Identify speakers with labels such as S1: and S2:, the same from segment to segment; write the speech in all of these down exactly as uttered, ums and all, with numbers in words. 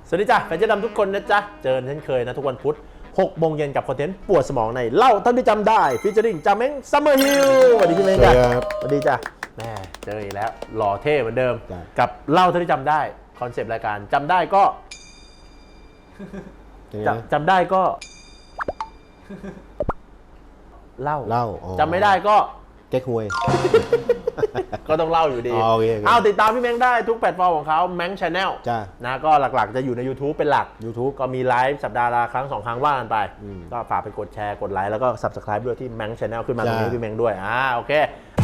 S1: สวัสดีจ้ะแฟนเจ๊ดำทุกคนนะจ๊ะเจอกันเช่นเคยนะทุกวันพุธหกโมงเย็นกับคอนเทนต์ปวดสมองในเล่าเท่าที่จำได้ฟีเจอริ่งจาเม้งซัมเมอร์ฮิลสวัสดีพี่เม้งจ้ะสวัสดีจ้ะแม่เจออีกแล้วหล่อเท่เหมือนเดิมกับเล่าเท่าที่จำได้คอนเซปต์รายการจำได้ก็จำได้ก็เล่า
S2: เล่า
S1: จำไม่ได้ก็
S2: เก๊กฮวย
S1: ก็ต้องเล่าอยู่ดี
S2: เอา
S1: ติดตามพี่เม้งได้ทุกแพลตฟอร์มของเขาแม้งชาแนลนะก็หลักๆจะอยู่ใน YouTube เป็นหลัก
S2: YouTube
S1: ก็มีไลฟ์สัปดาห์ละครั้งสองครั้งว่ากันไปก็ฝากไปกดแชร์กดไลค์แล้วก็ Subscribe ด้วยที่แม้งชาแนลขึ้นมาตรงนี้พี่เม้งด้วยอ่าโอเค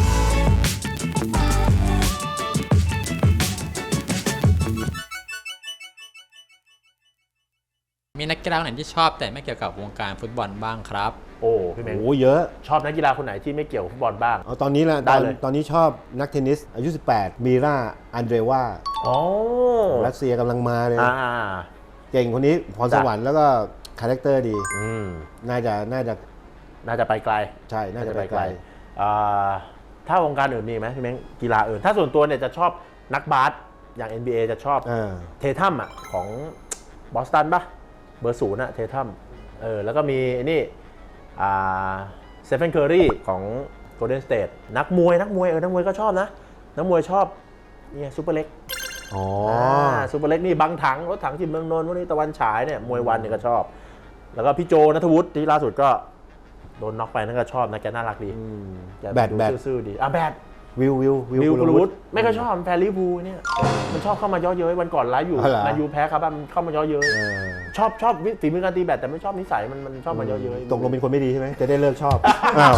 S3: มีนักกีฬาคนไหนที่ชอบแต่ไม่เกี่ยวกับวงการฟุตบอลบ้างครับ
S1: โอ้พี่เม้ง
S2: โอ้เยอะ
S1: ชอบนักกีฬาคนไหนที่ไม่เกี่ยวกับฟุตบอลบ้าง
S2: เอาตอนนี้แหละตอนตอนนี้ชอบนักเทนนิสอายุสิบแปดมีราอันเดรวา
S1: อ๋อ
S2: รัสเซียกำลังมาเลย
S1: อ่า
S2: เก่งคนนี้พรสวรรค์แล้วก็คาแรคเตอร์ดี
S1: อืม
S2: น่าจะน่าจะ
S1: น่าจะไปไกล
S2: ใช่น่าจะไปไกล
S1: ถ้าวงการอื่นมีไหมพี่เม้งกีฬาอื่นถ้าส่วนตัวเนี่ยจะชอบนักบาสอย่าง เอ็น บี เอ จะชอบเททัมอ่ะของบอสตันปะเบอร์ศูนย์อะเททัมเออแล้วก็มีนี่อ่าเซฟเฟนเคอรี่ของโกลเด้นสเตทนักมวยนักมวยเออนักมวยก็ชอบนะนักมวยชอบนี่ซูเปอร์เล็ก
S2: อ๋อ
S1: ซูเปอร์เล็กนี่บังถังรถถังจิมเมืองนนท์วันนี้ตะวันฉายเนี่ยมวยวันเนี่ยก็ชอบแล้วก็พี่โจณัฐวุฒิที่ล่าสุดก็โดนน็อกไปนั่นก็ชอบนะแกน่ารักดี
S2: แบดแบด
S1: ซื่อๆดีอ่ะแบด
S2: วิววิว
S1: วิวกุลวุฒิไม่ค่อยชอบแฟนลิเวอร์พูลเนี่ยมันชอบเข้ามาย่อเย้ยวันก่อนไลฟ์อยู่นายูแพ้ครับมันเข้ามาย่อเย้ยชอบชอบฝีมือการตีแบดแต่ไม่ชอบนิสัยมันมันชอบมาย่อเย้ย
S2: ตกลงเป็นคนไม่ดีใช่ไหมจะได้เลิกชอบ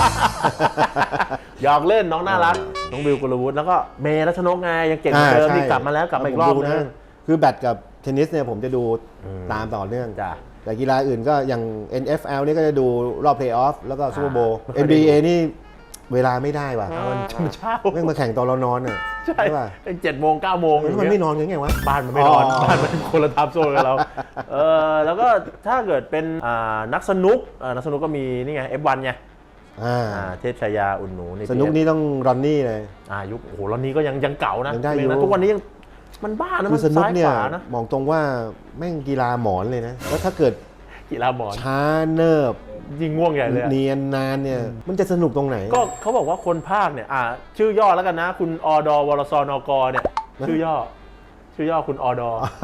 S1: หยอกเล่นน้องน่ารักน้องวิวกุลวุฒิแล้วก็เมย์รัชนกไงยังเก่งเหมือนเดิมที่กลับมาแล้วกลับมาอีกรอบนึง
S2: คือแบดกับเทนนิสเนี่ยผมจะดูตามต่อเนื่องแต่กีฬาอื่นก็อย่าง เอ็น เอฟ แอล นี่ก็จะดูรอบเพลย์ออฟแล้วก็ซูเปอร์โบว์ เอ็น บี เอ นี่เวลาไม่ได้ว่ะ
S1: มันเช้า
S2: เรื่องมาแข่งตอนเรานอนอ่ะ
S1: ใช่ป่ะเป็นเจ็ดโมงเก้าโมง
S2: มันไม่นอนยังไงวะ
S1: บ้านมันไม่นอนบ้านมันคนละทับโซนกับเราเออแล้วก็ถ้าเกิดเป็นนักสนุกนักสนุกก็มีนี่ไง เอฟ วัน ไงเทพชายาอุ่นหนู
S2: สนุกนี่ต้องรอนนี่เลย
S1: อ่ายุคโอ้โหรอนนี่ก็ยังยังเก่านะทุกวันนี้ยังมันบ้านะมัน
S2: ซ้ายขวานะมองตรงว่าแม่งกีฬาหมอนเลยนะแล้วถ้าเกิด
S1: กีฬาหมอน
S2: ช้าเนิบ
S1: ยิงง่วงใหญ่เลย
S2: เนียนนานเนี่ยมันจะสนุกตรงไหน
S1: ก็เขาบอกว่าคนภาคเนี่ยอ่าชื่อย่อแล้วกันนะคุณอดวรสนกเนี่ยชื่อย่อชื่อย่อคุณอด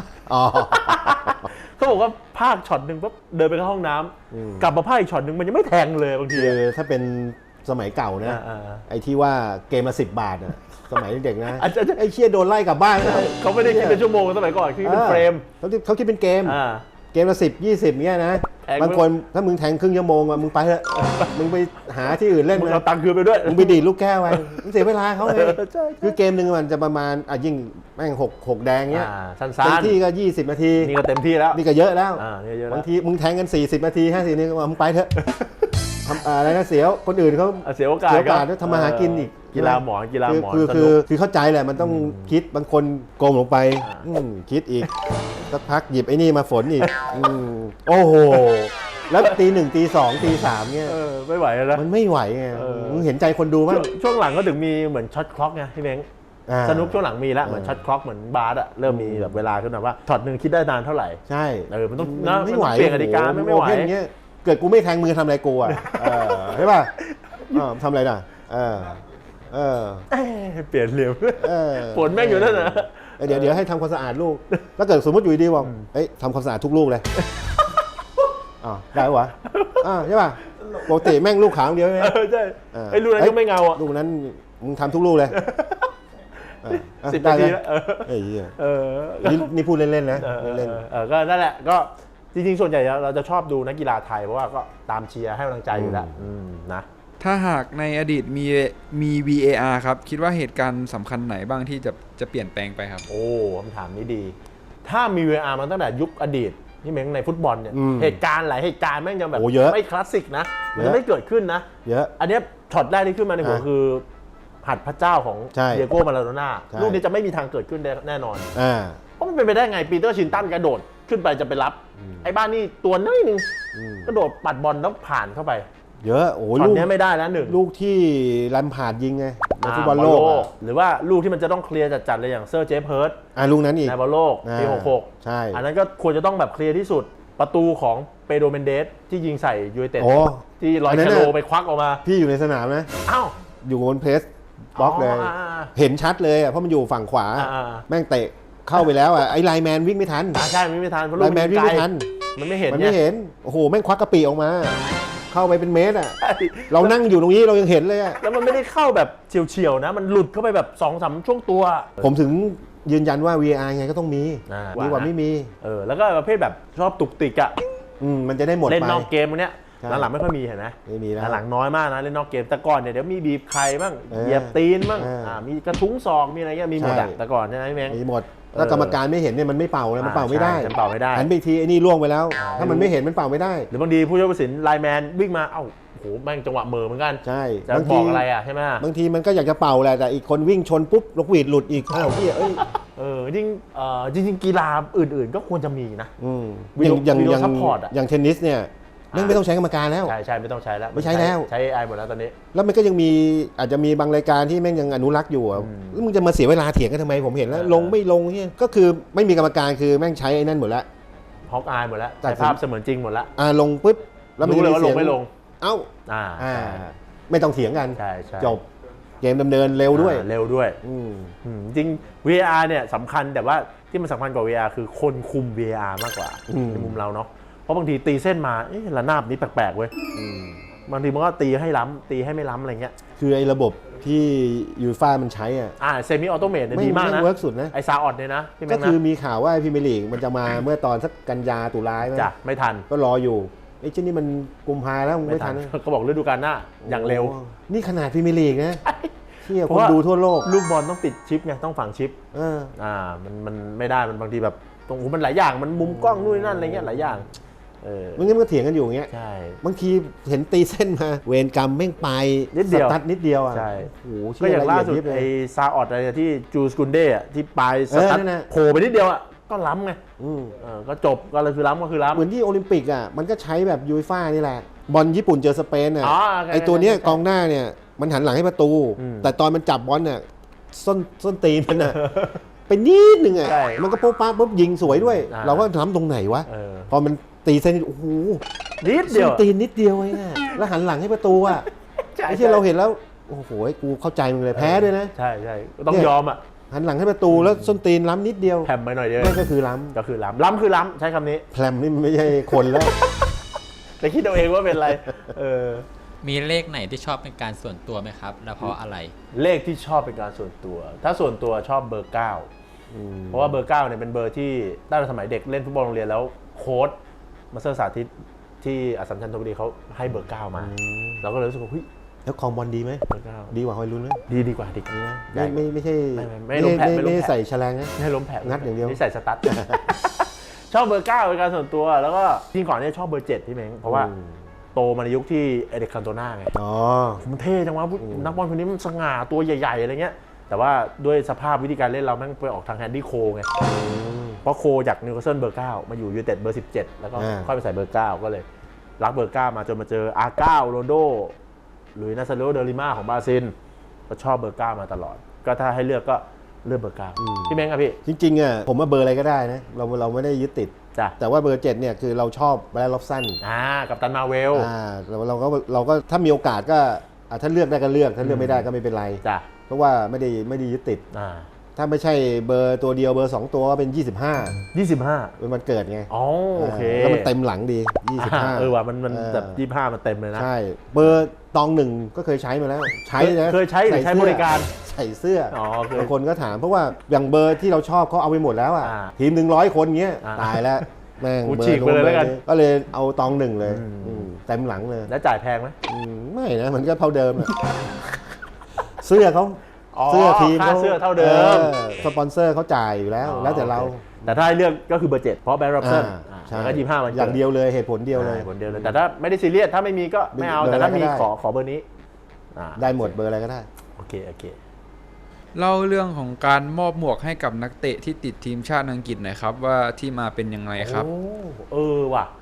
S1: เขาบอกว่าภาคช็อตหนึ่งปุ๊บเดินไปเข้าห้องน้ำกลับมาภาคอีกช็อตหนึ่งมันยังไม่แทงเลยบางที
S2: ถ้าเป็นสมัยเก่านะไอ้ที่ว่าเกมละสิบบาทอะสมัยเด็กนะไอ้เชี่ยโดนไล่กลับบ้าน
S1: เขาไม่ได้คิดเป็นชั่วโมงสมัยก่อนคิดเป็นเฟรม
S2: เขาเขาคิดเป็นเกมเกมละสิบยี่สิบเงี้ยนะบางคนถ้ามึงแทงครึ่งชั่วโมงอ่ะมึงไปเถอะมึงไปหาที่อื่นเล่น
S1: มึงเอาตังค์คืนไปด้วย
S2: มึงไปดีดลูกแก้วไปมึงเสียเวลาเขาเลยคือเกมหนึ่งมันจะประมาณอ่ะยิ่งแม่งหกหกแดงเงี้ย
S1: สั้นๆ
S2: เต็มที่ก็ยี่สิบนาที
S1: นี่ก็เต็มที่แล้ว
S2: นี่ก็เยอะแล้วบางทีมึงแทงกันสี่สิบนาทีห้าสิบนาทีมึงไปเถอะทำอะไรนะเสียคนอื่นเขา
S1: เสียโอกาส
S2: เสียโอกาสทำมาหากินอีก
S1: กีฬาหมอนกีฬาหมอน
S2: คือคือคือเข้าใจแหละมันต้องคิดบางคนโกงลงไปคิดอีกสักพักหยิบไอ้นี่มาฝนอีกโอ้โหแล้วตีหนึ่งตีสองตีสามเนี่ย
S1: ไม่ไหวแล้ว
S2: มันไม่ไหวไงมึงเห็นใจคนดูมั้ย
S1: ช่วงหลังก็ถึงมีเหมือนช็อตคล็อกไงพี่เม้งสนุกช่วงหลังมีแล้วเหมือนช็อตคล็อกเหมือนบาสอะเริ่มมีแบบเวลาขึ้นมาว่าช็อตหนึ่งคิดได้นานเท่าไหร่
S2: ใช่
S1: เออมันต้องไม่ไหวเปลี่ยนกติกาไม่ไหว
S2: เกิดกูไม่แทงมือทำอะไรกูอ่ะใช่ป่ะทำอะไรน่ะเออเออ
S1: เปลี่ยนเหลี่ยมฝนแม่งอยู่นั่นนะ
S2: เดี๋ยวเดี๋ยวให้ทำความสะอาดลูกถ้าเกิดสมมติอยู่ดีบอกเอ้ยทำความสะอาดทุกลูกเลยอ๋อได้ปะอ่าใช่ป่ะปกติแม่งลูกขาวเดียวใช่ไหม
S1: ใช่ไอ้ลูกนั้นก็ไม่เงาอ่ะ
S2: ลูกนั้นมึงทำทุกลูกเลย
S1: สิบนาทีแล้ว
S2: เอ้ยนี่พูดเล่นๆนะเล่น
S1: เออก็นั่นแหละก็จริงๆส่วนใหญ่เราจะชอบดูนักกีฬาไทยเพราะว่าก็ตามเชียร์ให้กำลังใจอยู่แล้วนะ
S4: ถ้าหากในอดีตมีมี วี เอ อาร์ ครับคิดว่าเหตุการณ์สำคัญไหนบ้างที่จะจะเปลี่ยนแปลงไปครับ
S1: โอ้คำถามนี้ดีถ้ามี วี เอ อาร์ มันตั้งแต่ยุคอดีตที่เม้งในฟุตบอลเนี่ยเหตุการณ์หลายเหตุการณ์แม่งยังแบบไม่คลาสสิกนะมันจะไม่เกิดขึ้นนะ
S2: เยอะ
S1: อันนี้ช็อตแรกที่ขึ้นมาในหัวคือหัดพระเจ้าของเดียโก้มาราโดน่าลูกนี้จะไม่มีทางเกิดขึ้นแน่นอนเพราะมันเป็นไปได้ไงปีเตอร์ชินตันกระโดดขึ้นไปจะไปรับไอ้บ้านนี่ตัวน้อยนึงกระโดดปัดบอลแล้วผ่านเข้าไป
S2: เยอะโอ้โห
S1: ช็อต
S2: ลูก
S1: เนี้ยไม่ได้แล้วหนึ่ง
S2: ลูกที่แลมพาร์ดยิงไงในฟุตบอล
S1: า
S2: โลกอะ
S1: หรือว่าลูกที่มันจะต้องเคลียร์จัดๆเลยอย่างเซอร์เจฟเฮิร์ต
S2: อ่ะลูกนั้นอีก
S1: ในบอลโลกปี
S2: อ่า
S1: หกหก
S2: ใช่
S1: อันนั้นก็ควรจะต้องแบบเคลียร์ที่สุดประตูของเปโดรเมนเดสที่ยิงใส่ยูไนเต็ด
S2: โอ้
S1: ที่ลอย
S2: อันนั้
S1: ชาน โล
S2: น่ะ
S1: ไปควักออกมา
S2: พี่อยู่ในสนามนะ
S1: อ้าว
S2: อยู่บนเพรสบล็อกเลย
S1: อ๋ออ่า
S2: เห็นชัดเลยอ่ะเพราะมันอยู่ฝั่งขวา
S1: อ่า
S2: แม่งเตะเข้าไปแล้วอ่ะไอ้ไลน์แมนวิ่งไม่ทัน
S1: อ่าใช่มันไม่ทันเพราะ
S2: ไล
S1: ลูก
S2: น์แมนวิ่ง
S1: ไกล
S2: ไม่ทัน
S1: มันไม่เห็น
S2: มัน
S1: เนี่
S2: ไม่
S1: ย
S2: เห็นโอ้โหแม่งควักกระปีออกมา เข้าไปเป็นเมตรอ่ะเรานั่งอยู่ตรงนี้เรายังเห็นเลยอ่ะ
S1: แล้วมันไม่ได้เข้าแบบเฉียวๆนะ มันหลุดเข้าไปแบบสองสามช่วงตัว
S2: ผมถึงยืนยันว่า วี อาร์ ไงก็ต้องมี
S1: อ่า
S2: ดีกว่าไม่มี
S1: เออแล้วก็ประเภทแบบชอบตุกติกอะ
S2: อืมมันจะได้หมด
S1: เล่น
S2: ไป
S1: นอกเกมพวกเนี้ย
S2: ใช่
S1: หลังๆไม่ค่อยมีเห็นไหม
S2: ไม่มีแล้ว
S1: หลังๆน้อยมากนะเล่นนอกเกมแต่ก่อนเนี่ยเดี๋ยวมีบีบใครบ้าง
S2: เออ
S1: เหยียบตีนบ้าง
S2: เอออ่
S1: ามีกระทุ้งศอกมีอะไรเงี้ยมีหมดอะ
S2: ใช่
S1: แต่ก่อนใช่ไหมพี่แมง
S2: มีหมดถ้ากรรมการไม่เห็นเนี่ยมันไม่เป่านะมันเป่าไม่ได้
S1: อ่าใช่มันเป่าไม่ได้
S2: หันไปอีกทีไอ้นี่ล่วงไปแล้ว
S1: อ่า
S2: ถ้ามันไม่เห็นมันเป่าไม่ได้
S1: หรือบางทีผู้ช่วยผู้ตัดสินไลน์แมนวิ่งมาเอ้าโหแม่งจังหวะเหม่อเหมือนกัน
S2: ใช่
S1: จะ
S2: บาง
S1: บ
S2: ที
S1: อกอะไรอะใช่ไหม
S2: บางทีมันก็อยากจะเป่าแหละแต่อีกคนวิ่งชนปุ๊บนกหวีดหลุดอีกอ้าวพี่เอ้ย
S1: เออจริงเอ่อจริงๆกีฬาอื่นๆ ก็ควรจะมีนะ
S2: อืม
S1: วิดีโอ
S2: อย่าง
S1: วิดีโอ
S2: อย่าง
S1: support อะ
S2: อย่างเทนนิสเนี่ยแม่งไม่ต้องใช้กรรมการแล้ว
S1: ใช่ใช่ไม่ต้องใช้แล้ว
S2: ไม่ใช้แล้ว
S1: ใช้ เอ ไอ หมดแล้วตอนนี้
S2: แล้วมันก็ยังมีอาจจะมีบางรายการที่แม่งยังอนุรักษ์อยู่อะ
S1: อืม
S2: แล้วมึงจะมาเสียเวลาเถียงกันทำไมผมเห็นแล้ว
S1: เออ
S2: ลงไม่ลงเนี่ยก็คือไม่มีกรรมการคือแม่งใช้ไอ้นั่นหมดแล้ว
S1: ฮอกอายหมดแล้ว
S2: ตัด
S1: ใช้
S2: สิน
S1: ภาพเสมือนจริงหมดแล้ว
S2: อ่าลงปุ๊บแล้วมัน
S1: รู้
S2: จะ
S1: เลย
S2: มี
S1: ว่าล
S2: เสีย
S1: ง
S2: ง
S1: ไม่ลง
S2: เอ้า
S1: อ่า
S2: อ่า
S1: ใช่
S2: ไม่ต้องเถียงกัน
S1: ใช่ใช่
S2: จบเกมดำเนินเร็วด้วย
S1: อ่าเร็วด้วย
S2: อืม
S1: อืมจริง วี เอ อาร์ เนี่ยสำคัญแต่ว่าที่มันสำคัญกว่า วี เอ อาร์ คือคนคุม วี เอ อาร์ มากกว่า
S2: อืม
S1: ในมุมเราเนาะเพราะบางทีตีเส้นมาเอ๊ะระนาบนี้แปลกๆเว้ย
S2: อืม
S1: บางทีมันก็ตีให้ล้ำตีให้ไม่ล้ำอะไรเงี้ย
S2: คือไอ้ระบบที่ยูฟ่ามันใช้อ่ะ
S1: อ่าเซมิออโตเมตเนี่ย
S2: ไม่
S1: ดีมาก
S2: ไม่
S1: นะ
S2: เวิร์กสุดนะ
S1: ไอซาออดเนี่ยนะพี่แม่
S2: ก็
S1: ง
S2: คือ
S1: นะ
S2: มีข่าวว่าพรีเมียร์ลีกมันจะมาเมื่อตอนสักกันยาตุลาใช่ไหม
S1: จ้ะไม่ทัน
S2: ก็รออยู่ไอ้เจ้านี่มันกุมภาแล้วมึงไม่ทัน
S1: เขาบอกฤดูกาลหน้าอย่างเร็ว
S2: โอ้นี่ขนาดพรีเมียร์ลีกนะเที่ย
S1: เพ
S2: ค
S1: ราะ
S2: น
S1: ว่า
S2: ดูทั่วโลก
S1: ลูกบอลต้องติดชิปไงต้องฝังชิป
S2: เออ
S1: อ่ามันมันไม่ได้มันบางทีแบบตรงหูมันหลายอย่างมันมุมกล้องนู่นนนั่นอะไรเงี้ยหลายอย่างเออ
S2: มันงั้นมันก็เถียงกันอยู่อย่างเงี้ย
S1: ใช่
S2: บางทีเห็นตีเส้นมา เวรกรรมแม่งไป
S1: นิดเดียว
S2: สตัดนิดเดียวอ่ะ
S1: ใช่
S2: โอ้โห
S1: ก็อย่างล่าสุด
S2: เชื่อละเอียดยิบเลย
S1: ไอ้ซาออดอะไรที่จูสกุนเด้อะที่ปลายส
S2: เออ
S1: ตั๊ด
S2: นั่นน่ะ
S1: โผล่ไปนิดเดียวอ่ะก็ล้ำไง
S2: อืม
S1: เออก็จบก็เลยคือล้ำก็คือล้ำ
S2: เหมือนที่โอลิมปิกอ่ะมันก็ใช้แบบยูฟ่านี่แหละ บอลญี่ปุ่นเจอสเปนอ่ะ
S1: อ๋อ
S2: ไอตัวเนี้ย
S1: ใช่
S2: กองหน้าเนี่ยมันหันหลังให้ประตู
S1: อืม
S2: แต่ตอนมันจับบอลเนี่ยส้นส้นตีนมันอ่ะ ไปนิดนึงอ่ะ
S1: ใช่
S2: มันก็ปุ๊บปั๊บปุ๊บยิงสวยด้วย
S1: อ่า
S2: เราก็ทำตรงไหนวะ
S1: เออ
S2: พอมันตีเส้นโอ้โห
S1: นิดเดี
S2: ส้
S1: ย
S2: น
S1: ว
S2: ตีนนิดเดียวเองอะแล้วหันหลังให้ประตูอ่ะ
S1: ใช่
S2: ไอ้ที่เราเห็นแล้วโอ้โหกูเข้าใจมึงเลยแพ้ด้วยนะ
S1: ใช่ใช่ก็ต้อง
S2: เนี่ย
S1: ยอมอ่ะ
S2: หันหลังให้ประตูแล้วส้นตีนล้ำนิดเดียว
S1: แผ่มไปหน่อยเดียว
S2: นั่นก็คือล้
S1: ก็คือล้ำล้ำคือล้ำใช้คำนี้
S2: ำแพลมนี่มันไม่ใช่คนแล้ว
S1: แต่คิดเอาเองว่าเป็นอะไรเออ
S3: มีเลขไหนที่ชอบเป็นการส่วนตัวไหมครับ แล้วเพราะอะไร
S1: เลขที่ชอบเป็นการส่วนตัว ถ้าส่วนตัวชอบเบอร์เก้าเพราะว่าเบอร์เก้าเนี่ยเป็นเบอร์ที่ตั้งแต่สมัยเด็กเล่นฟุตบอลโรงเรียนแล้วโค้ชมาสเตอร์สาธิตที่อัสสัมชัญธนบุรีเขาให้เบอร์เก้ามาเราก็เลยรู้สึกว่าเฮ้ย
S2: แล้วคลองบอลดีไหม
S1: เบอร์เก้า
S2: ดีกว่าฮอยลุนไหม
S1: ดีดีกว่าดีกว่า
S2: ไม่ไม่ไม่ใช่
S1: ไม่ไม่ไม่ล้มแผะไม่ล้มแผะ
S2: ไม่ได้ใส่แฉลงนะ
S1: ไม่ให้ล้มแผล
S2: งัดอย่างเดียว
S1: นี่ใส่สตั๊ด ชอบเบอร์เก้าเป็นการส่วนตัวแล้วก็จริงก่อนเนี่ยชอบเบอร์เจ็ดพี่เม้งเพราะว่า
S2: อืม
S1: โตมาในยุคที่เอเด็กคันโตน่าไง
S2: อ๋อ
S1: มันเท่จังวะนักบอลคนนี้มันสง่าตัวใหญ่ๆอะไรเงี้ยแต่ว่าด้วยสภาพวิธีการเล่นเราแม่งไปออกทางแฮนดี้โคไงเพราะโคจากนิวคาสเซิลเบอร์เก้ามาอยู่ยูไนเต็ดเบอร์สิบเจ็ดแล้วก็
S2: อ่า
S1: ค่อยไปใส่เบอร์เก้าก็เลยรักเบอร์เก้ามาจนมาเจออาร์เก้าโรนลโดหรือนาซาโรเดลิม่าของบราซิลก็ชอบเบอร์เก้ามาตลอด ก็ถ้าให้เลือกก็เลือกเบอร์เก้าพี่เม้งครับพี่
S2: จริงๆอ่ะผมว่าเบอร์อะไรก็ได้นะเราเราไม่ได้ยึดติด
S1: จ้ะ
S2: แต่ว่าเบอร์เจ็ดเนี่ยคือเราชอบแบรนด์ล็อบสัน
S1: อ่ากับตันมาเวล
S2: อ่าเราเราก็เราก็ถ้ามีโอกาสก็อ่ะถ้าเลือกได้ก็เลือกถ้าเลือกไม่ได้ก็ไม่เป็นไร
S1: จ้ะ
S2: เพราะว่าไม่ได้ไม่ได้ยึดติด
S1: อ่า
S2: ถ้าไม่ใช่เบอร์ตัวเดียวเบอร์สองตัวก็เป็นยี่สิบห้า
S1: ยี่สิบห้า
S2: เป็นวันเกิดไง
S1: อ๋อโอเค
S2: แล้วมันเต็มหลังดียี่สิบห้า
S1: เออว่ะมันมัน
S2: เออ
S1: แบบยี่สิบห้ามันเต็มเลยนะ
S2: ใช่เบอร์ตองหนึ่งก็เคยใช้มาแล้ว ใช้นะ
S1: เคยใช้หรือใช้บริการ
S2: ใส่เสื้อ
S1: อ๋อเคย
S2: บางคนก็ถามเพราะว่าอย่างเบอร์ที่เราชอบเขาเอาไปหมดแล้วอ่ะ
S1: อ่า
S2: ทีมหนึ่งร้อยคนเงี้ย
S1: อ่า
S2: ตายแล้วแม่ง
S1: กู
S2: เบอ
S1: ฉีก
S2: ร์
S1: ไปเลยแล้วกัน
S2: ก็เลยเอาตองหนึ่งเลย
S1: อืม
S2: อืมเต็มหลังเลย
S1: แล้วจ่ายแพงไหม
S2: อืมไม่นะมันก็เท่าเดิมอะ เสื้อเขา
S1: อ๋อ
S2: เสื้อทีม
S1: ค่าเสื้อเท่าเดิม
S2: ออสปอนเซอร์เขาจ่ายอยู่แล้ว แล้วแต่เรา
S1: โอคแต่ถ้าให้เลือกก็คือเบอร์เจ็ดเพราะแบร์รับเซน
S2: อ่าใช่
S1: แล้วก็ยี่สิบห้ามัน
S2: อย่างเดียวเลยเหตุผลเดียวเลย
S1: ผลเดียวเลย แต่ถ้าไม่ได้ซีเรียสถ้าไม่มีก็ไม่เอา
S2: เบอร์
S1: แต่ถ้า
S2: อะไรก็
S1: มี
S2: ได้
S1: ขอขอเบอร์นี้อ่า
S2: ได้หมดเบอร์อะไรก็ได้
S1: โอเคโอเค
S4: เล่าเรื่องของการมอบหมวกให้กับนักเตะที่ติดทีมชาติอังกฤษหน่อยครับว่าที่มาเป็นยังไงครับ
S1: โอ้เออว่ะ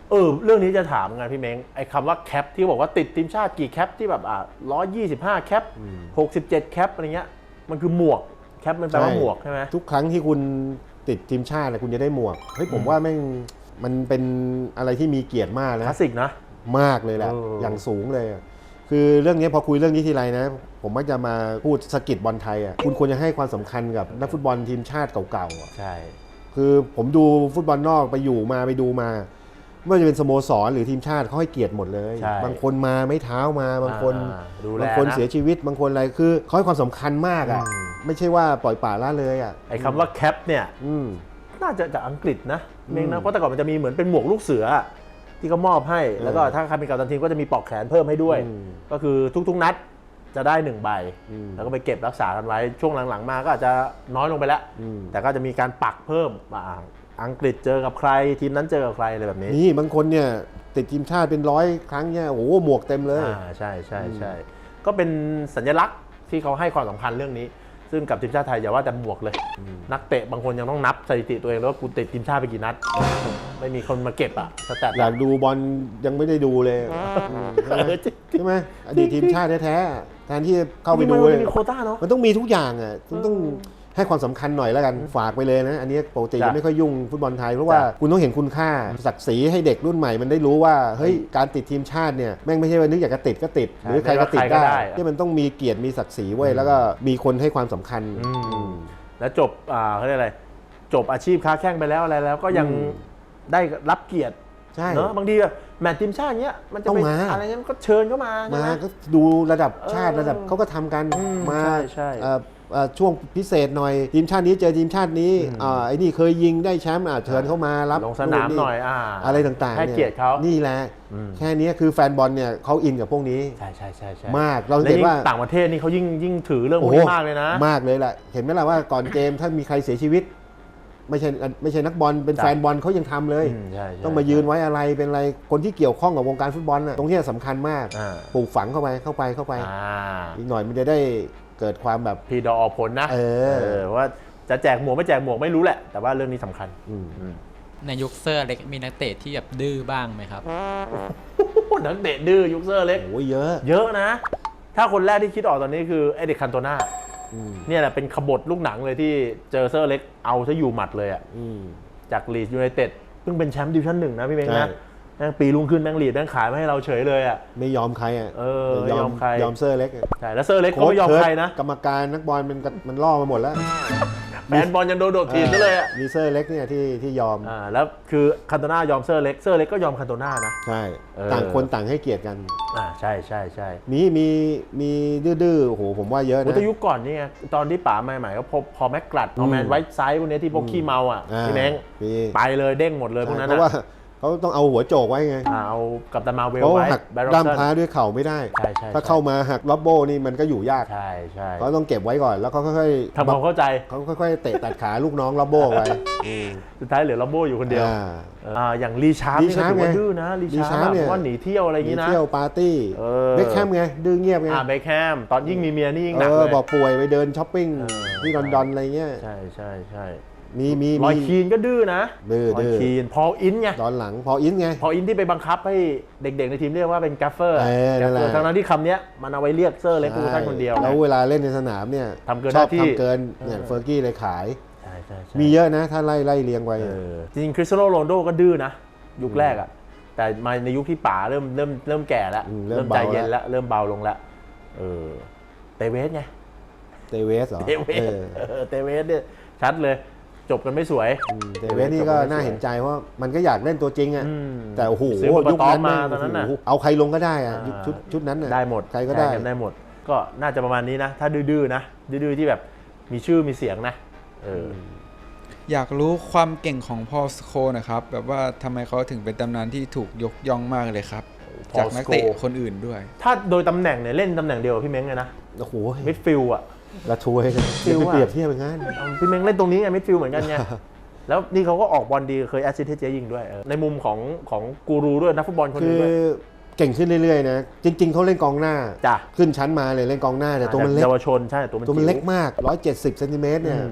S1: เออเรื่องนี้จะถามไงพี่เม้งไอ้คำว่าแคปที่บอกว่าติดทีมชาติกี่แคปที่แบบอ่ะร้อยยี่สิบห้าแคปหกสิบเจ็ดแคปอะไรเงี้ยมันคือหมวกแคปมันแปลว่าหมวกใช่ไหม
S2: ทุกครั้งที่คุณติดทีมชาติคุณจะได้หมวกเฮ้ยผมว่าแม่งมันเป็นอะไรที่มีเกียรติมาก
S1: ค
S2: นะ
S1: ลาสสิกนะ
S2: มากเลยแหละ
S1: เออ
S2: อ
S1: อย่าง
S2: สูงเลยอะคือเรื่องนี้พอคุยเรื่องนี้ทีไรนะ ผมมักจะมาพูดสะกิดบอลไทยอ่ะคุณควรจะให้ความสำคัญกับนักฟุตบอลทีมชาติเก่าๆอะ
S1: ใช่
S2: คือผมดูฟุตบอลนอกไปอยู่มาไปดูมาไม่ว่าจะเป็นสโมสรหรือทีมชาติเขาให้เกียรติหมดเลย
S1: ใช่
S2: บางคนมาไม่เท้ามาบางคน
S1: อ่าดูแล
S2: บางคน
S1: นะ
S2: เสียชีวิตบางคนอะไรคือเขาให้ความสำคัญมากอ่ะ
S1: อืม
S2: ไม่ใช่ว่าปล่อยป่าละเลยอ่ะ
S1: ไอ้คำว่าแคปเนี่ย
S2: อืม
S1: น่าจะจากอังกฤษนะเมง
S2: อื
S1: นะ
S2: ม
S1: เพราะแต่ก่อนมันจะมีเหมือนเป็นหมวกลูกเสือที่เขามอบให้ แล้วก็ถ้าใครเป็นกัปตันทีมก็จะมีปลอกแขนเพิ่มให้ด้วย
S2: อืม
S1: ก็คือทุกๆนัดจะได้หนึ่งใบ
S2: อืม
S1: แล้วก็ไปเก็บรักษากันไว้ช่วงหลังๆมาก็อาจจะน้อยลงไปแล้ว
S2: อืม
S1: แต่ก็จะมีการปักเพิ่มอ่าอังกฤษเจอกับใครทีมนั้นเจอกับใครอะไรแบบนี้
S2: นี่บางคนเนี่ยติดทีมชาติเป็นร้อยครั้งเนี่ยโอ้โหหมวกเต็มเลย
S1: อ่าใช่ใช่ใช่ก็เป็นสัญลักษณ์ที่เขาให้ความสำคัญเรื่องนี้ ซึ่งกับทีมชาติไทยอย่าว่าแต่หมวกเลย นักเตะบางคนยังต้องนับสถิติตัวเองแล้วว่ากูติดทีมชาติไปกี่นัด ไม่มีคนมาเก็บอะสแตท
S2: อยากดูบอลยังไม่ได้ดูเลยใช่ไหม
S1: เออจริง
S2: ใช่ไหมอดีตทีมชาติแท้ๆแทนที่จะเข้าไป
S1: จริงๆ
S2: ดู
S1: มัน
S2: เลย
S1: จะมีโควต้าเนาะ
S2: มันต้องมีทุกอย่างอ่ะคุณต้องให้ความสำคัญหน่อยแล้วกันฝากไปเลยนะ อันนี้ปกติ
S1: จ้ะ
S2: จะไม่ค่อยยุ่งฟุตบอลไทยเพราะว่า
S1: จ้ะ
S2: คุณต้องเห็นคุณค่าศักดิ์ศรีให้เด็กรุ่นใหม่มันได้รู้ว่าเฮ้ยการติดทีมชาติเนี่ยแม่งไม่ใช่ว่านึกอยากจะติดก็ติด
S1: ใช่
S2: หรือใครก็ติด
S1: ไม่ว่าใครก็
S2: ได้
S1: ได้
S2: ที่มันต้องมีเกียรติมีศักดิ์ศรีไว้ยแล้วก็มีคนให้ความสำคัญ
S1: อืมแล้วจบอ่าเขาเรียกอะไรจบอาชีพค้าแข้งไปแล้วอะไรแล้วก็ยัง
S2: อืม
S1: ได้รับเกียรติ
S2: ใช่
S1: เนอะบางทีแบบแมตช์ทีมชาติเงี้ยมันจะ
S2: ต้อง
S1: เป็น
S2: มา
S1: อะไรเงี้ยมันก็เชิญเข้ามาใช่
S2: มา
S1: ไหม
S2: ก็ดูระดับชาติ
S1: เออ
S2: ระดับเขาก็ทำกัน
S1: อืม
S2: มา
S1: ใช่ใช่
S2: เอ่อเอ่อช่วงพิเศษหน่อยทีมชาตินี้เจอทีมชาตินี้อ่าไอ้นี่เคยยิงได้แชมป์อ่ะเชิญเข้ามารับ
S1: ลงสนามหน่อยอ่า
S2: อะไรต่างๆ
S1: ให้
S2: นี่
S1: เกียรติเขา
S2: นี่แหละ
S1: อืม
S2: แค่นี้คือแฟนบอลเนี่ยเขาอินกับพวกนี้
S1: ใช่ใช่ใช่ใช่
S2: มากเรา
S1: และ
S2: เห็น
S1: ยิ่ง
S2: ว่า
S1: ต่างประเทศนี่เขายิ่งยิ่งถือเรื่องพว
S2: โอ้
S1: ก
S2: โห
S1: นี้มากเลยนะ
S2: มากเลยแหละเห็นไหมล่ะว่าก่อนเกมถ้ามีใครเสียชีวิต ไม่ใช่ไม่ใช่นักบอลเป็น
S1: จ้ะ
S2: แฟนบอลเขายังทำเลย
S1: อืมใช่ใช่
S2: ต้องมายืนไว้อะไรเป็นอะไรคนที่เกี่ยวข้องกับวงการฟุตบอลน่ะตรงเนี้ยสำคัญมาก
S1: อ่า
S2: ปลูกฝังเข้าไปเข้าไปเข้าไป
S1: อ่า
S2: อีกหน่อยมันจะได้เกิดความแบบ
S1: พีดอออกผลนะ
S2: เออ
S1: ว่าจะแจกหมวกไม่แจกหมวกไม่รู้แหละ แต่ว่าเรื่องนี้สำคัญ
S2: อืม
S3: ในยุคเซอร์เล็กมีนักเตะที่แบบดื้อบ้างไหมครับ
S1: นักเตะดื้อยุคเซอร์เล็ก
S2: โอ้ยเยอะ
S1: เยอะนะ ถ้าคนแรกที่คิดออกตอนนี้คือไอเด็กคันโตนา
S2: อืม
S1: เนี่ยแหละเป็นขบฏลูกหนังเลยที่เจอเซอร์เล็กเอาซะอยู่หมัดเลยอ่ะ
S2: อืม
S1: จากลีดยูไนเต็ดเพิ่งเป็นแชมป์ดิวิชั่นหนึ่งนะพี่เม้ง
S2: ใช่
S1: นะแม่งปีรุ่งขึ้นแม่งลีดแม่งขายมาให้เราเฉยเลยอ่ะ
S2: ไม่ยอมใครอ่ะ
S1: เออไม่ยอมใคร
S2: ยอมเซอร์เล็กอะ
S1: ใช่แล้วเซอร์เล็กก็ไม่ยอมใครนะ
S2: กรรมการนักบอลมันก็มันล่อมาหมดแล้ว
S1: แฟนบอลยังโดนโดดทีมซะเลยอ่ะ
S2: มีเซอร์เล็กเนี่ยที่ที่ยอม
S1: อ่าแล้วคือคันโตนายอมเซอร์เล็กเซอร์เล็กก็ยอมคันโตนานะ
S2: ใช่
S1: เออ
S2: ต่างคนต่างให้เกียรติกัน
S1: อ่าใช่ใช่ใช่
S2: มีมีมีดื้อๆโอ้โหผมว่าเยอะ
S1: โอ้
S2: นะ
S1: แต่ยุคก่อนนี่ไงตอนที่ป๋าใหม่ๆก็พอพอแม็กกลัดเอาแมนไว้ไซส์พวกนี้ที่พวกขี้เมาอ่ะ
S2: อ่า
S1: พี่เม้ง
S2: มี
S1: ไปเลยเด้งหมดเลยพวกนั้น
S2: เพราะว่า
S1: อ่ะ
S2: เขาต้องเอาหัวโจกไว้ไง
S1: อ่าเอากับตันมาเวล
S2: เขา
S1: ไว้
S2: หัก
S1: แบร็อก
S2: ด้าม
S1: สั
S2: พร้าน ด้วยเข่าไม่ได้
S1: ใช่ใช่
S2: ถ้า
S1: ใช่
S2: เข้ามาหักล็อบโบนี่มันก็อยู่ยาก
S1: ใช่ใช่
S2: เขาต้องเก็บไว้ก่อนแล้วเขาค่อยๆ
S1: ทำความเข้าใจ
S2: เขาค่อยๆเตะตัดขาลูกน้องล็อบโบไว้
S1: สุดท้ายเหลือลัมโบอยู่คนเดียว
S2: อ่า
S1: อ่าอย่างลีชาร์ป
S2: ลี
S1: นี่ก็
S2: ชาร์ป
S1: ถือว่า
S2: ไง
S1: ดื้อนะลี
S2: ลี
S1: ชา
S2: ชาร์
S1: ร์
S2: ป
S1: ป
S2: เนี่ย
S1: ว่าหนีเที่ยวอะไรอย่าง
S2: มี
S1: งี้นะ
S2: เที่ยวปาร์ตี้
S1: เออ
S2: เบคแคมไงดื้อเงียบไง
S1: อ่าเบคแฮมตอนยิ่งมีเมียนี่ยิ่งห
S2: เอ
S1: นัก
S2: อ
S1: เลย
S2: บอกป่วยไปเดินช้อปปิ้ง
S1: เออ
S2: ที่ลอนดอนอะไรเงี้ย
S1: ใช่ใช่ใช่
S2: มีมี
S1: รอย
S2: มี
S1: คีนก็ดื้อนะ
S2: ดื้อ
S1: รอย
S2: ดื้อ
S1: คีนพอลอินไง
S2: ตอนหลังพออินไง
S1: พอลอินที่ไปบังคับให้เด็กๆในทีมเรียกว่าเป็นกัฟเฟอร์
S2: เออนั่นแหละ
S1: ทั้งนั้นที่คำเนี้ยมันเอาไว้เรียกเซอร์เล็กฟูชั่นคนเดียว
S2: แล้วเวลาเล่นในสนามเนี่ย
S1: ทำเกิน
S2: ชอบ
S1: หน้าที่
S2: ทำเกินเนี่ย
S1: เออ
S2: เฟอร์กี้เลยขาย
S1: ใช่ใช่ใช่
S2: มีเยอะนะถ้าไล่ไล่เรียงไว้
S1: เออจริงๆคริสเตียโนโรนัลโดก็ดื้อนะยุคแรกอ่ะแต่มาในยุคที่ป๋าเริ่มเริ่มเริ่มแก่แล้ว
S2: อืมเริ่
S1: เริ่
S2: ม
S1: มใจ
S2: เบา
S1: เย็น
S2: แล้ว
S1: แล้วเริ่มเบาลงแล้วเออเตเวสไง
S2: เตเวสเหรอ
S1: เตเวส
S2: เออ
S1: เออเตเวสเนี่ยชัดเลยจบกันไม่สวย
S2: อืมเตเวสนี่ก็น่าเห็นใจเพราะมันก็อยากเล่นตัวจริงอ่ะ
S1: อืม
S2: แต่โอ้โห
S1: ซื้อมา
S2: ยุคนั้น
S1: มา
S2: แม่ง
S1: ตอนนั้นน่ะ
S2: โอ้โหเอาใครลงก็ได้อ่ะยุค
S1: อ่า
S2: ชุดชุดนั้นน่ะ
S1: ได้หมด
S2: ใครก็ได้
S1: แทนกันได้หมด ก็น่าจะประมาณนี้นะ ถ้าดื้อๆนะดื้อๆที่แบบมีชื่อมีเสียงนะเอออ
S4: อยากรู้ความเก่งของพอลสโคนะครับ แบบว่าทำไมเขาถึงเป็นตำนานที่ถูกยกย่องมากเลยครับ
S1: Paul
S4: จากนักเตะ
S1: Scholes
S4: คนอื่นด้วย
S1: ถ้าโดยตำแหน่งเนี่ยเล่นตำแหน่งเดียวกับพี่เม้งเลยนะ
S2: โอ้โห
S1: มิดฟิลด์อ่ะ
S2: ละทวยกัน
S1: ฟิ
S2: อย่า
S1: ล
S2: ไป
S1: อะ
S2: เปรียบเทียบอย่างนั้น
S1: เอาพี่เม้งเล่นตรงนี้ไงมิดฟิลด์เหมือนกันไง แล้วนี่เขาก็ออกบอลดีเคยแอสซิสต์ให้เจ๊ยิงด้วยเออในมุมของของกูรูด้วยนักฟุตบอลคนห
S2: คื
S1: นึง
S2: อ
S1: ด้วย
S2: เก่งขึ้นเรื่อยๆนะจริง ๆเขาเล่นกองหน้า
S1: จ้ะ
S2: ขึ้นชั้นมาเลยเล่นกองหน้าแต่ตัวมันเล็ก
S1: เยาวชนใช่ตัวมัน
S2: ตัวมันเล็ก
S1: จิ๋ว
S2: มากหนึ่งร้อยเจ็ดสิบเซนติเมตรเนี่ย
S1: อืม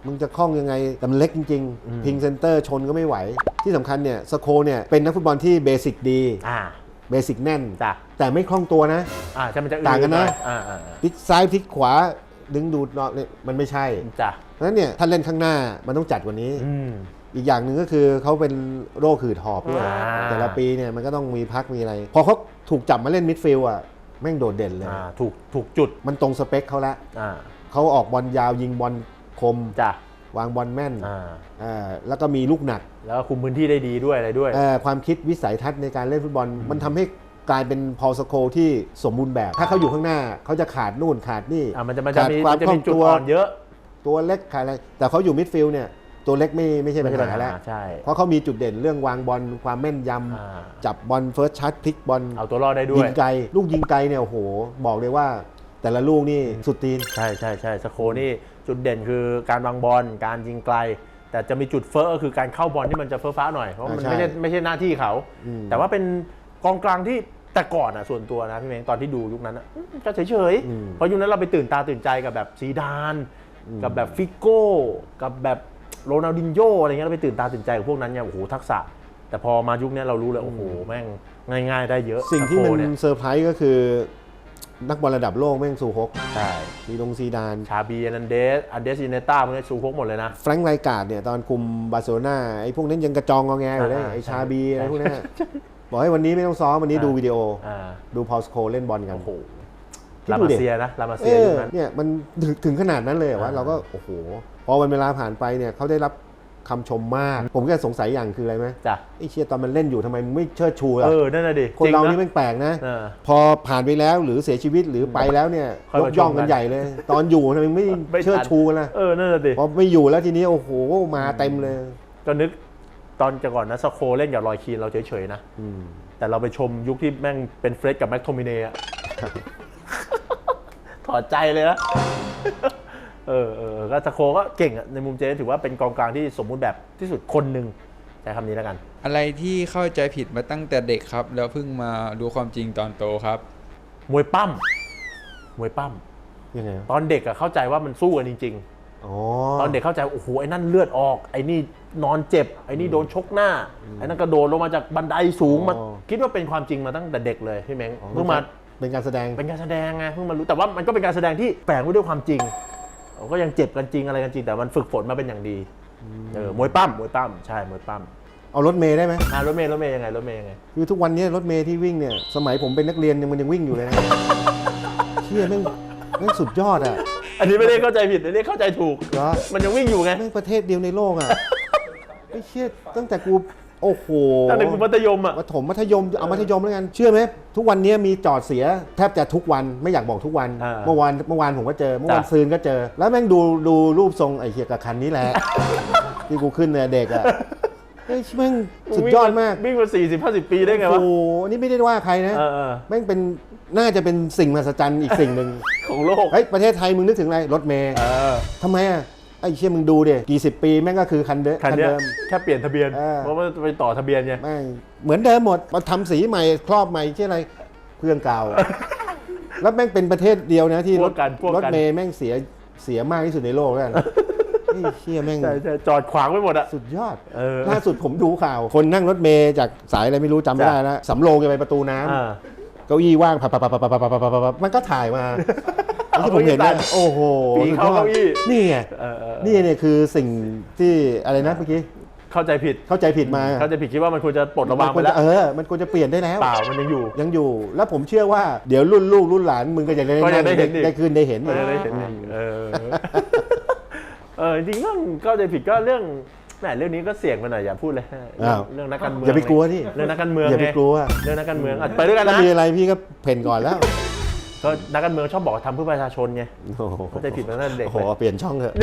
S2: มึงจะคล่องยังไงแต่มันเล็กจริงๆพิงเซนเตอร์ชนก็ไม่ไหวที่สำคัญเนี่ยสโคเนี่ยเป็นนักฟุตบอลที่เบสิกดี
S1: อ่า
S2: เบสิกแน่น
S1: จ้ะ
S2: แต่ไม่คล่องตัวนะ
S1: อ่าใช่มันจะ
S2: ต่างกันนะ
S1: อ่าอ่า
S2: พลิกซ้ายพลิกขวาดึงดูดเนาะเนี่ยมันไม่ใช่
S1: จ้ะ
S2: เพราะฉะนั้นเนี่ยถ้าเล่นข้างหน้ามันต้องจัดกว่านี้
S1: อืม
S2: อีกอย่างหนึ่งก็คือเขาเป็นโรคหืดหอบด้วย
S1: อ่า
S2: แต่ละปีเนี่ยมันก็ต้องมีพักมีอะไร พอเขาถูกจับมาเล่นมิดฟิลด์อ่ะแม่งโดดเด่นเลย
S1: อ่าถูกถูกจุด
S2: มันตรงสเปคเขาละ
S1: อ่า
S2: เขาออกบอลยาวยิงบอลคม
S1: จ้ะ
S2: วางบอลแม่น
S1: อ่า
S2: อ่าแล้วก็มีลูกหนัก
S1: แล้วก็คุมพื้นที่ได้ดีด้วยอะไรด้วย
S2: เอ่อความคิดวิสัยทัศน์ในการเล่นฟุตบอล มันทำให้กลายเป็นพอลสโคที่สมบูรณ์แบบ ถ้าเขาอยู่ข้างหน้าเขาจะขาดนู่นขาดนี่
S1: อ่ามันจะมันจะ
S2: ขาด
S1: มี
S2: ควา
S1: มั
S2: ม
S1: นจะ
S2: คล่
S1: มี
S2: อง
S1: จุด
S2: ตัว
S1: อ่อนเยอะ
S2: ตัวเล็กขาดอะไรแต่เขาอยู่มิดฟิลด์เนี่ยตัวเล็กไม่ไม่ใช่ปัญ
S1: ไม่ใช่ปัญ
S2: หา
S1: หา
S2: แล้ว
S1: ใช่
S2: เพราะเขามีจุดเด่นเรื่องวางบอลความแม่นย
S1: อ่า
S2: ำจับบอลเฟิร์สชัดพลิกบอล
S1: เอาตัวรอดได้ด้
S2: ยิ
S1: วย
S2: งไกลลูกยิงไกลเนี่ยโอ้โหบอกเลยว่า แต่ละลูกนี่สุดตีน
S1: ใช่ใช่ใช่สโคนี่จุดเด่นคือการวางบอลการยิงไกล แต่จะมีจุดเฟ้อก็คือการเข้าบอลที่มันจะเฟ้อฟ้าหน่อยเพราะมัน
S2: อ่าใช่
S1: ไม่ใช่ไม่ใช่หน้าที่เขา
S2: อืม
S1: แต่ว่าเป็นกองกลางที่แต่ก่อนอ่ะส่วนตัวนะพี่เม้งตอนที่ดูยุคนั้นอ่ะอืมก็เฉยเฉยๆ
S2: อืม
S1: เพราะยุคนั้นเราไปตื่นตาตื่นใจกับแบบซีดาน กับแบบฟิโก้กับแบบโรนัลดินโญ่อะไรเงี้ยเราไปตื่นตาตื่นใจกับพวกนั้นเนี่ยโอ้โหทักษะ แต่พอมายุคนี้เรารู้เลยโอ้โหแม่งง่ายๆได้เยอะ
S2: สิ่งที่มัน
S1: สโคเนี่ย
S2: เซอร์ไพรส์ก็คือ นักบอลระดับโลกแม่งซูฮก
S1: ใช่
S2: ซีดงซีดาน
S1: ชาบีแอนันเดสอันเดสอินเนต้าพวกนี้ซูฮกหมดเลยนะ
S2: แฟรงค์ไรการ์ดเนี่ยตอนคุมบาร์เซโลนาไอ้พวกนั้นยังกระจองงอแงอยู่เลย
S1: อ่า
S2: ไอ้
S1: ใช่
S2: ชาบี
S1: ใช่
S2: อะไรพวกนั้นบอกให้วันนี้ไม่ต้องซ้อมวันนี้
S1: อ่า
S2: ดูวิดีโอ
S1: อ่า
S2: ดูพอลสโคเล่นบอลกัน
S1: โอ้โห
S2: คิด
S1: ลา
S2: ดู
S1: มา
S2: ดิ
S1: เซียนะลามา
S2: เอ
S1: เซียยุ
S2: อ
S1: คนั้น
S2: เนี่ยมันถึงถึงขนาดนั้นเลยเหรอวะ
S1: อ่า
S2: เราก็โอ้โหพอวันเวลาผ่านไปเนี่ยเขาได้รับคำชมมาก ผมก็สงสัยอย่างคืออะไรไหม
S1: จ้ะ
S2: ไอ้เชียตอนมันเล่นอยู่ทำไมมึงไม่เชิดชูล่ะ
S1: เออ นั่นน่ะดิ
S2: คนเรา
S1: จงะ
S2: นี่แม่งแปลกนะ
S1: เออ
S2: พอผ่านไปแล้วหรือเสียชีวิตหรือไปแล้วเนี่ย
S1: ค่อย
S2: ย
S1: มาก
S2: ย่อง
S1: ชมกั
S2: กัน นใหญ่เลย ตอนอยู่ทำไมไม่
S1: ไม่ทัน
S2: เชิดชูกันล่ะ
S1: เออ นั่นน่ะดิ
S2: พอไม่อยู่แล้วทีนี้โอ้โหมาเต็มเลย
S1: ก็นึกตอนจะก่อนนะสโคเล่นกับรอยคีนเราเฉยๆนะ
S2: อืม
S1: แต่เราไปชมยุคที่แม่งเป็นเฟรดกับแม็กโทมิเน่อะ ถอดใจเลยนะ เออเออก็สโคก็เก่งอะในมุมเจถือว่าเป็นกองกลางที่สมบูรณ์แบบที่สุดคนหนึ่งใช้คำนี้แล้วกัน
S4: อะไรที่เข้าใจผิดมาตั้งแต่เด็กครับ แล้วเพิ่งมารู้ความจริงตอนโตครับ
S1: มวยปั้ม มวยปั้ม
S2: ยังไง
S1: ตอนเด็กอะเข้าใจว่ามันสู้กันจริง
S2: อ๋อ
S1: ๆ ตอนเด็กเข้าใจโอ้โหไอ้นั่นเลือดออก ไอ้นี่นอนเจ็บ ไอ้นี่โดนชกหน้า ไอ้นั่นกระโดดลงมาจากบันไดสูงมา
S2: อ๋อ
S1: คิดว่าเป็นความจริงมาตั้งแต่เด็กเลยพี่เม้ง
S2: อ๋อ
S1: เพิ่งมา
S2: เป็นการแสดง
S1: เป็นการแสดงไงเพิ่งมารู้แต่ว่ามันก็เป็นการแสดงที่แฝงไว้ด้วยความจริงก็ยังเจ็บกันจริงอะไรกันจริงแต่มันฝึกฝนมาเป็นอย่างดีเออมวยปั้มมวยปั้มใช่มวยปั้ม
S2: เอารถเมย์ได้ไหม
S1: อ่ารถเมย์รถเมย์ยังไงรถเมย์ยังไง
S2: คือทุกวันนี้รถเมย์ที่วิ่งเนี่ยสมัยผมเป็นนักเรียนยังมันยังวิ่งอยู่เลยนะ เชี่ยแม่งแม่งสุดยอดอ่ะ
S1: อันนี้ไม่ได้เข้าใจผิดอันนี้เข้าใจถูก
S2: เหรอ
S1: มันยังวิ่งอยู่ไง
S2: แม่งประเทศเดียวในโลกอ่ะ ไม่เชื่อตั้งแต่กูโอ้โห
S1: ตั้งแต่คุณมัธยมอ่ะ
S2: มัธยมมัธยมเอามัธยมแล้วกันเชื่อไหมทุกวันนี้มีจอดเสียแทบจะทุกวันไม่อยากบอกทุกวัน
S1: อ่า
S2: เมื่อวานเมื่อวานผมก็เจอเมื่อวาน
S1: จ้ะ
S2: ซืนก็เจอ แล้วแม่งดูดูรูปทรงไอ้เหี้ยกับคันนี้แหละ ที่กูขึ้นเนี่ยเด็กอ่ะเฮ้ยแม่งสุดยอดมาก
S1: วิ่งมาสี่สิบห้าสิบปีได้ไงวะ
S2: โอ้โหอันนี้ไม่ได้ว่าใครนะ
S1: เออเออ
S2: แม่งเป็นน่าจะเป็นสิ่งมหัศจรรย์อีกสิ่งหนึ่ง
S1: ของโลก
S2: เฮ้ยประเทศไทยมึงนึกถึงอะไรรถเมย์
S1: เออ
S2: ทำไมอ่ะไอ้เชี่ยมึงดูดิกี่สิบปีแม่งก็คือคันเดิม
S1: คันเนี้ย
S2: เดิม
S1: แค่เปลี่ยนทะเบียน
S2: เออ
S1: เพราะว่าไปต่อทะเบียนไง
S2: แม่งเหมือนเดิมหมดมาทำสีใหม่ครอบใหม่เช่นอะไรเครื่องเก่า แล้วแม่งเป็นประเทศเดียวนะที่
S1: พ
S2: ร
S1: ว
S2: ถ
S1: กกันพวก
S2: รถ
S1: กัน
S2: เมย์แม่งเสียเสียมากที่สุดในโลกแล้วกันไอ้เชี่ยแม่ง
S1: ใช่ใช่จอดขวางไว้หมดอ่ะ
S2: สุดยอด
S1: เออ
S2: ล่าสุดผมดูข่าว คนนั่งรถเมย์จากสายอะไรไม่รู้จำไม่ได้แล้วสำโรงจะไปประตูน้ำ
S1: อ่า
S2: เก้าอี้ว่างพับพับพับพับพับพับพับพับมันก็ถ่ายมาที่ผมเห็นเนี่ยโอ้โห
S1: ปีนเข้าเก้าอี้
S2: นี่ไง
S1: เออเออ
S2: นี่เนี่ยคือสิ่งที่อะไรนะเมื่อกี้
S1: เข้าใจผิด
S2: เข้าใจผิดมา
S1: เข้าใจผิดคิดว่ามันควรจะปลดระวาง
S2: มันค
S1: ไป
S2: วร
S1: แล้
S2: จะ
S1: ว
S2: เออมันควรจะเปลี่ยนได้แล้ว
S1: เปล่ามันยังอยู่
S2: ยังอยู่ แล้วผมเชื่อว่าเดี๋ยวรุ่นลูกรุ่นหลานมึงก็จะได้
S1: ก็จะได้เห็นอีก
S2: ได้คืนได้เห็น
S1: ไม่ได้เห็นอีกเออ เออจริงๆเรื่องเข้าใจผิดก็เรื่องแหมเรื่องนี้ก็เสี่ยงไปหน่อยอย่าพูดเลย
S2: อ้าว
S1: เรื่องนักการเมือง
S2: อย่าไปกลัวที่
S1: เรื่องนักการเมือง
S2: อย่าไป
S1: ไง
S2: กลัว
S1: เรื่องนักการเมืองอ่ะไปด้วยกัน
S2: ถ้า
S1: นะ
S2: มีอะไรพี่ก็เพ่นก่อนแล้ว
S1: ก็นักการเมืองชอบบอกว่าทำเพื่อประชาชนไง
S2: โอ้โห
S1: เข้าใจผิดมาตั้งแต่เด็ก
S2: โอ้โห
S1: เลย
S2: เปลี่ยนช่องเถอะ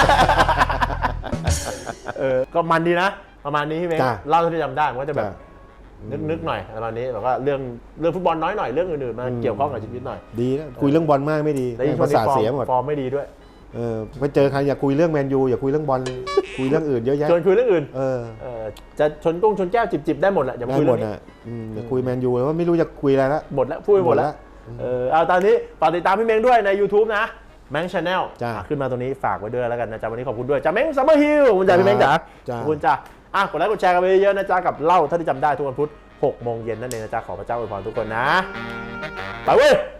S1: เออก็มันดีนะประมาณนี้พี่เมย์
S2: จ้ะ
S1: เล่าเท่าที่จำได้มันก็จะแบบ
S2: จ้ะ
S1: นึกนึกหน่อยประมาณนี้แล้วก็เรื่องเรื่องฟุตบอลน้อยหน่อยเรื่องอื่นๆมาเกี่ยวข้องกับชีวิตหน่อย
S2: ดีนะคุยเรื่องบอลมากไม่ดี
S1: แล้วยิ่งช่ว
S2: ภาง
S1: นี้
S2: ษาท
S1: ฟอร์
S2: เสีย
S1: ม
S2: หมด
S1: ฟอร์มไม่ดีด้วย
S2: เออไปเจอใครอย่าคุยเรื่องแมนยูอย่าคุยเรื่องบอลคุยเรื่องอื่นเยอะแยะ
S1: ชวนคุยเรื่องอื่น
S2: เออ
S1: เออจะชนกุ้งชนแก้วจิบๆได้หมดแหละอย่ามา
S2: ได้
S1: คุย
S2: หม
S1: เรื่อ
S2: ด
S1: งนี้
S2: อ่ะอืมอย่าคุยแมนยูเลยว่าไม่รู้จะคุยอะไรละ
S1: หมดแล้วพูดไปหมดแล้วเออเอาตอนนี้ฝากติดตามพี่เมงด้วยใน YouTube นะแมงชาแนล
S2: จ้ะ
S1: ขึ้นมาตรงนี้ฝากไว้ด้วยแล้วกันนะจ๊ะวันนี้ขอบคุณด้วยจ้าเม้งซัมเมอร์ฮิลคุณจ่าพี่เม้งจ๋า
S2: จ้ะ
S1: ขอบคุณจ้าอ่ะกดไลค์กดแชร์กันไปเยอะๆนะจ๊ะกับเล่าถ้าที่จำได้ทุกวันพุธหกโมงเย็นนั่นเองนะจ๊ะขอพระเจ้าอวยพรทุกคนนะไปเว้ย